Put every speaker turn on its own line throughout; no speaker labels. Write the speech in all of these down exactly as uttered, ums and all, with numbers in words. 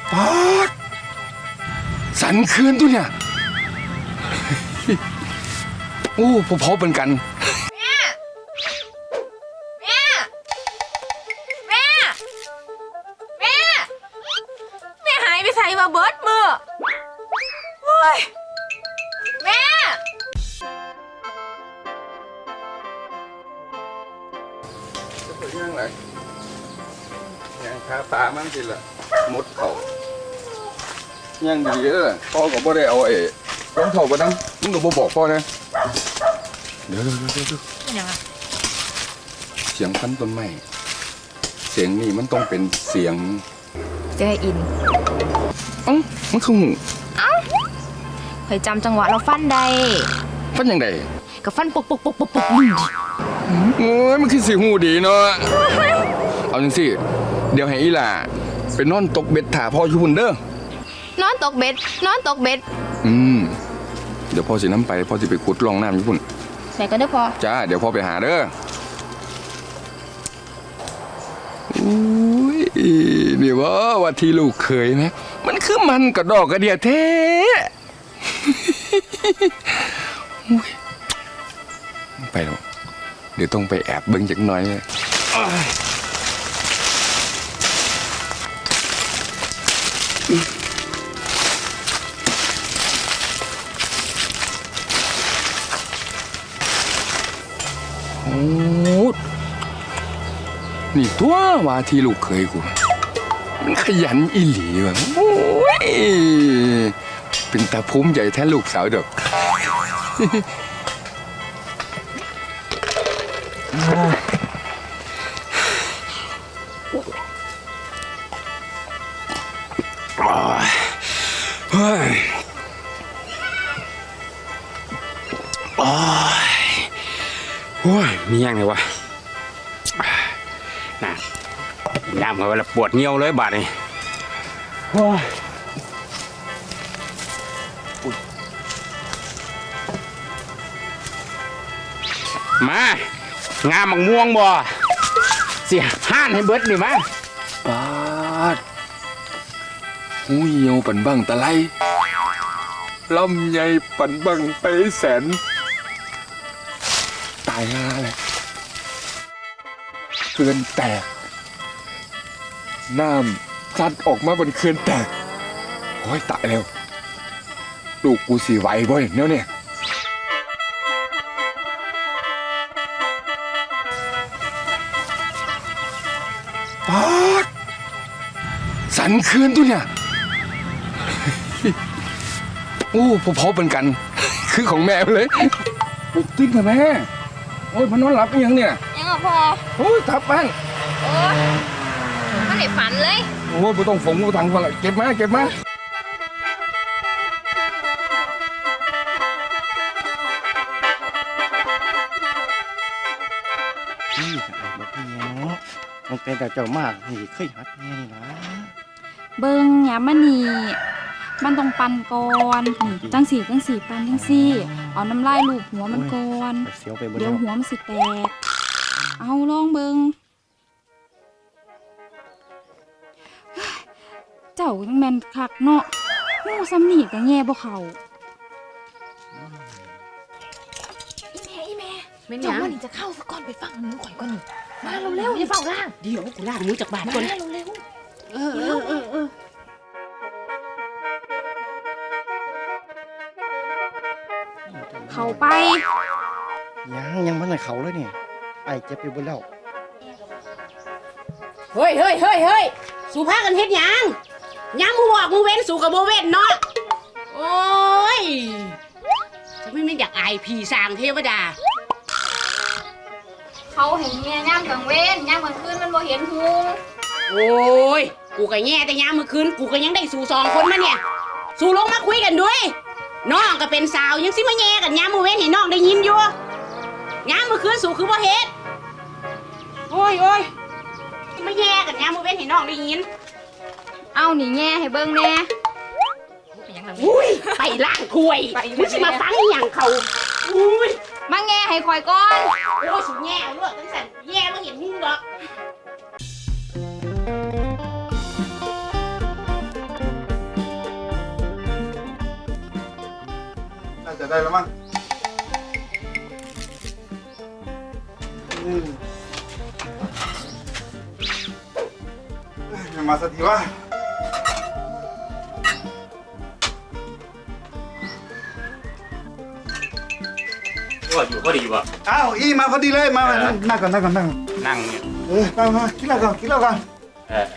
ปอดสันคืนตัวเนี่ยโอ้พอพอเป็นกัน
แม่แม่แม่แม่แม่หายไปใส่มาเบิร์ดมือโอ้ยแม่
จะไปยังไงยังคาตามันสิละมดเขายังดีเลยพ่อก็บ่ได้เอาเอ๋รองเท้าไปนั่งมึงก็บ่บอกพ่อนะเดี๋ยวเดี๋ยวเดี๋ยว
เป็นยังไง
เสียงพันต้นไม้เสียงนี่มันต้องเป็นเสียง
จะได้อิน
เอ้ามันคือหู
เอ้าเคยจำจังหวะเราฟันใด
ฟันยังไง
กับฟันปกปกปกปกปก
โอ้ยมันคือสีหูดีเนาะเอาจังสิเดี๋ยวให้อีหล่าไปนอนตกเบ็ดถ่าพ่ออยู่พุ่นเด้อน
อนตกเบ็ดนอนตกเบ็ด
อืมเดี๋ยวพ่อสิน้ำไปพ่อสิไปขุดลองน้ำอยู่พุ่น
ไหนก็ได้พอ
จ้าเดี๋ยวพ่อไปหาเด้ออุ้ยนี่ว่าว่าที่ลูกเคยไหมมันคือมันกระดอกกระเดียแท้ไปแล้วเดี๋ยวต้องไปแอบเบิ้งจักหน่อยเลยโอ้นี่ตัวว่าที่ลูกเคยกูมันขยันอีหลีว่ะโอ้ยเป็นตาภูมิใจแท้ลูกสาวดอกเฮ้ยโอ้ยโอ้ยมีอย่างไรวะน่ะน้ำเขาเวลาปวดเงี้ยวเลยบาดนี่โอ้ยมางามมังม่วงบ่เสียห้านให้เบิดนี่มาปาดหูเหี่ยวปั่นบังตะไลลำใหญ่ปั่นบังไปแสนตายห่าเลยเขื่อนแตกน้ำซัดออกมาบนเขื่อนแตกโอ้ยตายแล้วลูกกูสีไหวบ่อยเนี่ยเนี่ยปอดสันคืนตัวเนี่ยโอ้พอพอเป็นกันคือของแม่เลยปลุกติ้งค่ะแม่โอ้ยมันนอนหลับยังเนี่ย
ยังอ่ะพอ
โอ้ยทับบ้าง
โอ้ยมันได้ฝันเลย
โอ้ยไม่ต้องฝงไม่ต้องฟังเก็บมาเก็บมา
นี่บอกพี่เนาะมันเป็นแต่เจ้ามากนี่เคยหัดแน่นี่นะ
เบิ้งอย่ามานี่มันต้องปั่นก่อนนี่จังสีจังสีปั่นจังสีเอาน้ำลายลูบหัวมันก่อนเดี๋ยวหัวมันสิแตกเอาลองเบิ้งเจ้าจังแมนคักเนาะงูซ้ำนี่กับแง่บ่เขา
อีแม่อีแม่เจ้าว่านี่จะเข้าสักก่อนไปฟังหนูข่อยก่อนนี่มาเร็วๆอย่าเฝ้าล่าง
เดี๋ยวกูล่างมือจากบ้านก่อน
มาเร็วๆเออเออเออเออ
เขาไป
ยังยังมันในเขาเลยเนี่ยไอ้เจ็บอยู่บนแล้ว
เฮ้ยเฮ้ยเฮ้ยเฮ้ยสู่พากันเฮ็ดหยังยังมูบอกมูเว้นสู่กับโบเว้นเนาะโอ้ยจะไม่ไม่อยากอายผีสางเทวดา
เขาเห็นเมียย่างกลางเว้นย่างกลางคืนมันบ่เห็นหู
โอ้ยกูก็แง่แต่ยามเมื่อคืนกูก็ยังได้สู่สองคนมาเนี่ยสู่ลงมาคุยกันด้วยน้องก็เป็นสาวยังสิมาแง่กันยามมื้อเว้นให้น้องได้ยินอยู่ยามเมื่อคืนสู่คือบ่เฮ็ดโอ้ยโอ้ยมาแง่กันยามมื้อเว้นให้น้องได้ยิน
เอาหนีแง่ให้เบิ่งแน่
อุ้ยไปล้างถ้วยมึงสิมาฟังอย่างเขาอุ้ย
มาแง่ให้คอยก่อน
โอ้ยสุดแง่เอาด้วยตั้งแต่แง่มาเห็นมึงหรอก
ได้แล้วมั้งอืมเอ้ยยังมาสักทีวะ
ก็อยู่ก็ดีว่ะ
อ้าวอีมาพอดีเลยมามานั่งก่อนนั่งก่อนนั่งก่อน
นั่งเนี่ย
เออมามากินเหล้าก่อนกินเหล้าก่อน
เออ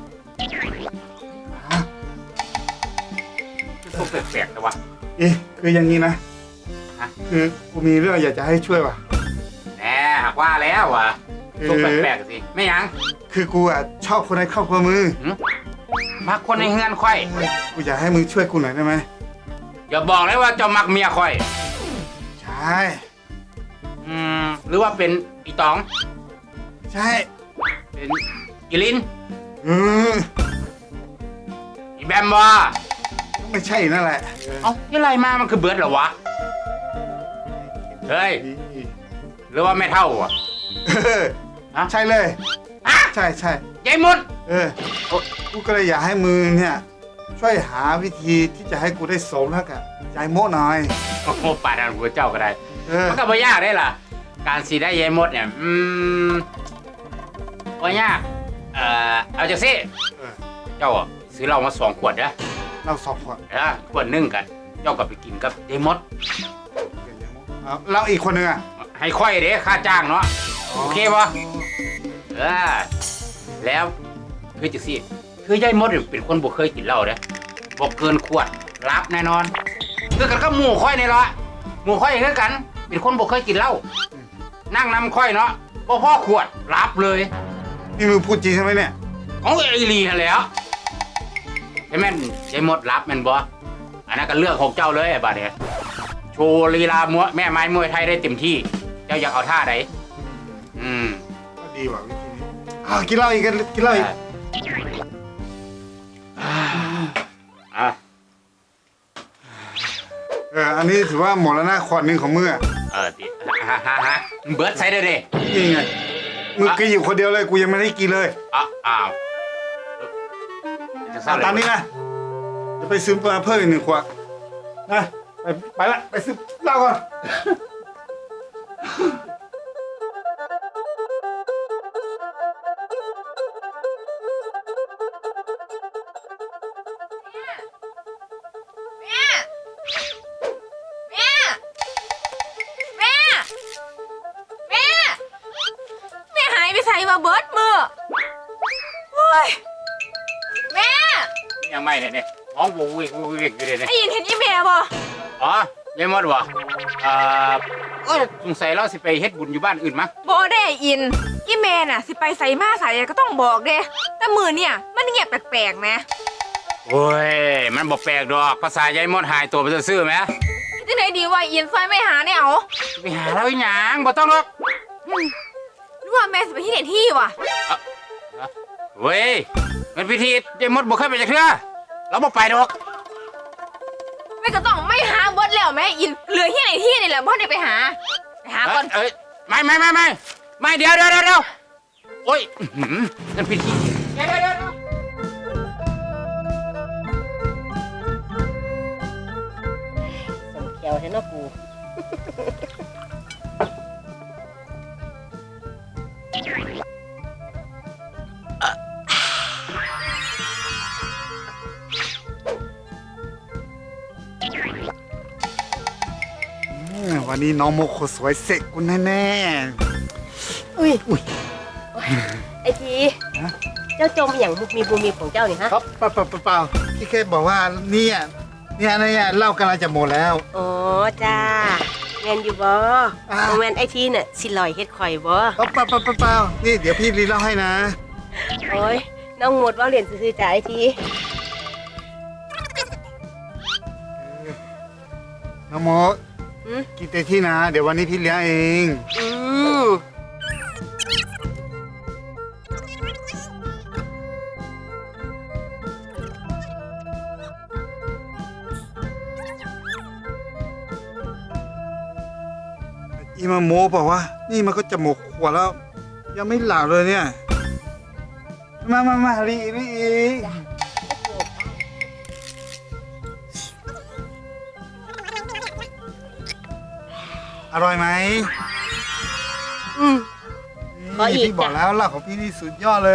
พวกแปลกๆแต่ว่า
เอ๊ะคืออย่างนี้นะ
ฮะ
คือกูมีเรื่องอยากจะให้ช่วยว่ะ
แหมหากว่าแล้วว่ะพวกแปลกๆสิไม่ยัง
คือกูอ่ะชอบคนในครอบครัวมือ
มักคนในเฮือนค่อย
กูอยากให้มึงช่วยกูหน่อยได้ไหม
อย่าบอกเลยว่าเจ้ามักเมียค่อย
ใช่
อืมหรือว่าเป็นอีตอง
ใช่
เป็นอีลิน
อืม
อีแบมบ่
ไม่ใช่นั่นแหละ
เอ้าที่ไรมามันคือเบิร์ดเหรอวะเฮ้ยหรือว่าไม่เท่าอ่ะ
เออ
ฮะ
ใช่เลย
ฮะ
ใช่ใช่
ยายมด
เออกูก็เลยอยากให้มึงเนี่ยช่วยหาวิธีที่จะให้กูได้สมแล้วกับยายโม่หน่อย
โอ้โหป่าดันหัวเจ้าก็ได้
เออ
มันก็ไม่ยากได้ล่ะ การสีได้ยายมดเนี่ย อืมไม่ยาก เอ่อ เอาจากสิ
เออ
เจ้าอะซื้อเหล้ามาสองขวดนะ
เราสองคน
เออขวดหนึ่งกัน เจ้าก็ไปกินกับยายมด
เอาเราอีกคนหนึ่งอ่ะ
ให้ค่อยเด้ค่าจ้างเนาะ โอเคปะเออ แล้วคือจังสิคือยายมดเนี่ยเป็นคนบ่เคยกินเหล้าเด้บ่เกินขวดรับแน่นอน คือกันก็หมู่ค่อยนี่ละหมู่ค่อยอย่างนั้นกัน เป็นคนบ่เคยกินเหล้า นั่งนำค่อยเนาะบ่พ่อขวดรับเลย
นี่มึงพูดจริงใช่ไหมเนี่ย
ของไอรีนั่นแหล้วใช่แม่นยายมดรับแม่นบ่อันนั้นก็เรื่องของเจ้าเลยไอ้บัดเนี่ยโชว์ลีลามวยแม่ไม้มวยไทยได้เต็มที่ เจ้าอยากเอาท่าไหนอืม
ก็ดีว่ะวิธีนี้อ้าวกินเหล้าอีกกันกินเหล้าอีก
อ่ะ
เอออันนี้ถือว่าหมดแล้วนะขวดหนึ่งของมึงอ่ะ
เออดิฮะฮะฮะเบิร์ดใส่ได้ดิ
นี่ไงมึงกินอยู่คนเดียวเลยกูยังไม่ได้กินเลย
อ้าวอ้าวจะเศร้า
เอา
เลย
ตามนี้นะจะไปซื้อมาเพิ่มอีกหนึ่งขวดนะไปไปละไปซื้อเหล้าก่อน
แม่แม่แม่แม่แม่หายไปใส่มาเบิดมือโอ้ยแม่
ยังไม่เนี่ยเนี่ยห้องวูวิววิวอยู่เลยเนี่ย
ไอ้ยินเห็นอีแม่บ่
อ๋อยายมดวะอ่าเออสงสัยเราสิไปเฮ็ดบุญอยู่บ้านอื่นมั้ง
บ่ได้อินอีแม่น่ะสิไปใส่มาใส่ก็ต้องบอกเด้แต่มือเนี่ยมันเงียบแปลกๆนะ
โอ้ย มันบอกแปลกดอกภาษายายมดหายตัวไปซื่อๆไหม
ที่ไหนดีว่าอินซอยไม่หาเนี่ยเอา
ไปหาเราอีหยังบ่ต้องหรอก
หรือว่าแม่สิไปที่ไหนที่วะ
เว้ยมันพิธียายมดบ่เคยไปจากเทื่อเราบ่ไปดอก
แม่ก็ต้องไม่หาเบิดแล้วแม่อินเหลือที่ไหนที่นี่แหละพ่อได้ไปหาไปหาก่อน
เอ้ยไม่ไม่ไม่ไม่ไม่เดี๋ยวเดี๋ยวเดี๋ยวโอ้ยอื้อหือนั่นพิธีเดี๋ยวเดี๋ยวเดี๋ยว
สมเขียวเห็นเนาะกู
อืมวันนี้น้องโมโคสวยเสกกูแน่
อุ้ย
อุ้ย
ไอทีเจ้าจมอย่างมุกมีบูมีของเจ้านี่ฮะ
ๆครับเปล่าเปล่าเปล่าเปล่าพี่แค่บอกว่าเนี่ยเนี่ยเนี่ยเหล้ากำลังจะหมดแล้ว
อ๋อจ้าแมนอยู่บ่
อ่า
โมแมนไอทีน่ะสิลอยเฮ็ดข่อยบ่
เปล่าเปล่าเปล่าเปล่าเปล่านี่เดี๋ยวพี่รีเล่าให้นะ
โอ้ยน้องหมดว่าเหรียญซื้อๆจ้าไอที
น้องโม
อืม
กินเต็มที่นะ เดี๋ยววันนี้พี่เลี้ยงเอง
อืม
อีมาโมบอกว่า นี่มันก็จะหมดขวดแล้ว ยังไม่หลับเลยเนี่ย มามามารีรีอีก
อร่อยไหม
อืม ขออีก
พี่บอกแล้วลาบของพี่นี่สุดยอดเลย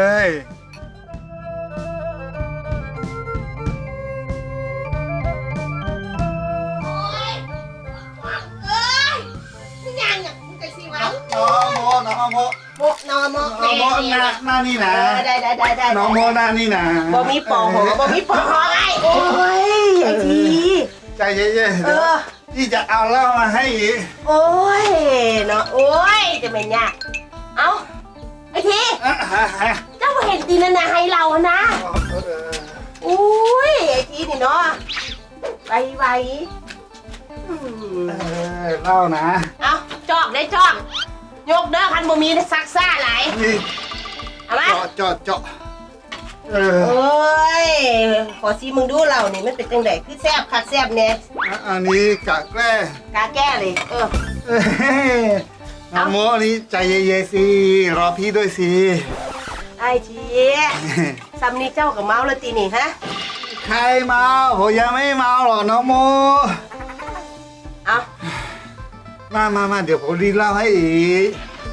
เอ้ยมึงยังอ่ะมึงจะสิวะ
น้องโมน้องโม
โมนอโม
น้องโมหน้าหน้านี่นะ
เออได้ได้ได้ได้
น้องโมหน้านี่นะ
บ่มีปอหอบ่มีปอหอไอ้โอ้ยไอ้ที
ใจเย็นๆ
เอ
เดี๋ยว
อ
พี่จะเอาเหล้ามาให้อีก
โอ้ยเนาะโอ้ยจะเป็นยากเอ้าไอ้ที
อ่ะฮะฮะ
เจ้าบ่เห็นตีนั่นนะให้เรานะ
เออ
อุ้ยไอ้ทีนี่เนาะไวไวอืม
เออเหล้านะ
เอาจอกได้จอกยกเด้อคันบ่มีซักซ่าหลาย
นี่
เอามา
เจาะเจาะเจาะเออ
โอ้ยขอซีมึงดูเรานี่มันเป็นจังไดคือแซ่บคักแซ่บแน่
อันนี้กะแกล้
กาแก้เลย เออ
เอ้ยน้องโมอันนี้ใจเย็นๆสิ รอพี่ด้วยสิ
ไอ้ทีซัมนี่เจ้ากับเมาแล้วตีนี่ฮะ
ใครเมาผมยังไม่เมาหรอกน้องโม
เอา
มามามาเดี๋ยวผมรีดเหล้าให้อีก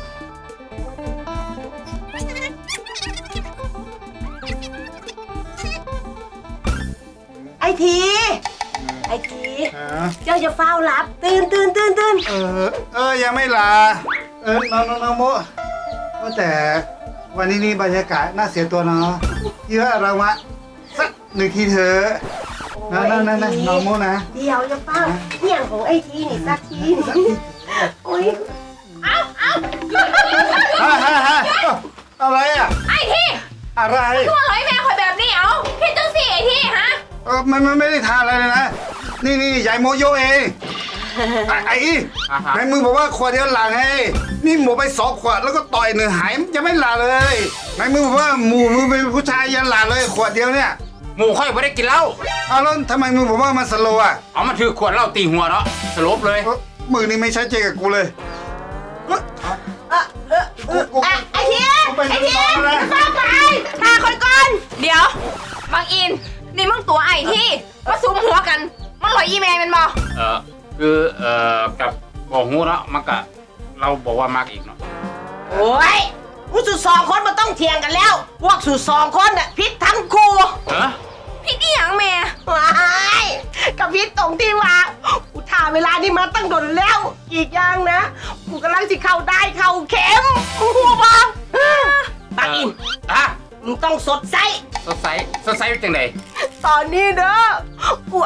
ไอ้ที ไอ้ที
ฮะ
เจ้าจะเฝ้ารับ ตื่นตื่นตื่นตื่น
เออ เออ ยังไม่ลา เออ น้องน้องน้องโมว่าแต่วันนี้นี่บรรยากาศน่าเสียตัวเนาะพี่ว่าเรามาสักหนึ่งทีเถอะนั่นนั่นนั่นนั่นน้องโมนะ
เดี๋ยวจะเฝ้าเหี้ยงของไอ้ทีนี่สักทีโอ้ย
ฮะฮะฮะอะไรอ่ะ
ไอ้ที่
อะไร
ตัวร้อยแม่คอยแบบนี้เอาเฮ็ดจังสิไอ้ที่ฮะ
เออมันมันไม่ได้ทานอะไรเลยนะ นี่นี่ยายโมโยเอง ไอ้ไอ้อี
อ่าฮะ
ในมือบอกว่าขวดเดียวหลังไงนี่หมูไปสองขวดแล้วก็ต่อยหนึ่งหายมันยังไม่หลาเลยในมือบอกว่าหมูมือเป็นผู้ชายยันหลาเลยขวดเดียวเนี่ย
หมู่ค่อยไม่ได้กินเหล้า
เอาแล้วทำไมมือบอกว่ามันสโลว์อ่ะ
เอามาถือขวดเหล้าตีหัวเนาะสลบเลย
เอ้อมือนี่ไม่ใช่เจกับกูเลยเอ้อ
เออเออเออ
กู
อ่ะไอ้ที
กูไป
ไอ้ที
นอนแล้ว
เฝ้าไปตาคอยก่อน
เดี๋ยวบางอิน นี่มึงตัวไอ้ที่มาซุมหัวกัน มันลอยอีเมลเป็นบ่
เออคือเอ่อกับบอกหูเนาะมันก็เราบอกว่ามากอีกเนาะ
โอ้ยมึงสุดสองคนมันต้องเถียงกันแล้ว พวกสุดสองคนน่ะพิษทั้งคู่
เออ
พี่นี่ยังแม่
ว้ายกับพิษตรงที่ว่ากูถ่าเวลานี้มาตั้งโดนแล้ว อีกอย่างนะ กูกำลังจะเข้าได้เข้าเข็มกูหัวบ้าปักอิน
อ่ะ
มึงต้องสดใส
สดใสสดใสเป็นจังได
ตอนนี้เด้อ กู